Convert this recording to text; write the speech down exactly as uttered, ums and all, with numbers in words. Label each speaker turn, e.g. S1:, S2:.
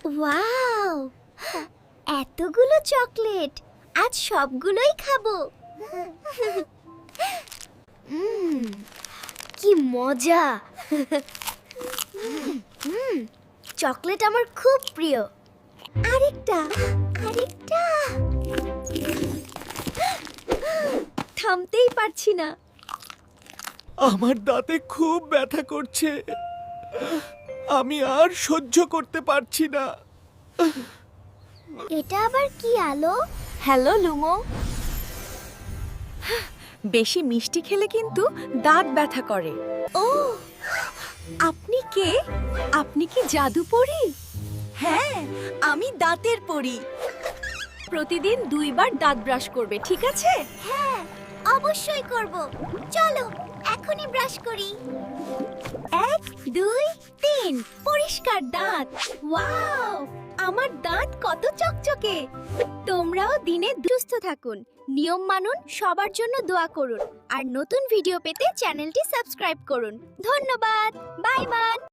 S1: Wow, এতগুলো chocolate! আজ সবগুলোই খাবো। উম, কি মজা! উম, চকলেট আমার খুব প্রিয়। আরেকটা, আরেকটা। থামতেই পারছি না।
S2: আমার দাঁতে খুব ব্যথা করছে, আমি আর সহ্য করতে পারছি না।
S1: এটা আবার কি আলো?
S3: Hello Lumo. বেশি মিষ্টি খেলে কিন্তু দাঁত ব্যথা করে।
S1: ও,
S3: আপনি কে? আপনি কি জাদু পড়ি? হ্যাঁ, আমি দাঁতের পড়ি। প্রতিদিন দুইবার দাঁত ব্রাশ করবে, ঠিক আছে?
S1: হ্যাঁ, অবশ্যই করব। চলো এখনই ব্রাশ করি।
S3: এক, দুই, তিন। পরিষ্কার দাঁত।
S1: ওয়াও,
S3: আমার দাঁত কত চকচকে।
S1: তোমরাও দিনে সুস্থ থাকুন, নিয়ম মানুন, সবার জন্য দোয়া করুন আর নতুন ভিডিও পেতে চ্যানেলটি সাবস্ক্রাইব করুন। ধন্যবাদ। Bye by.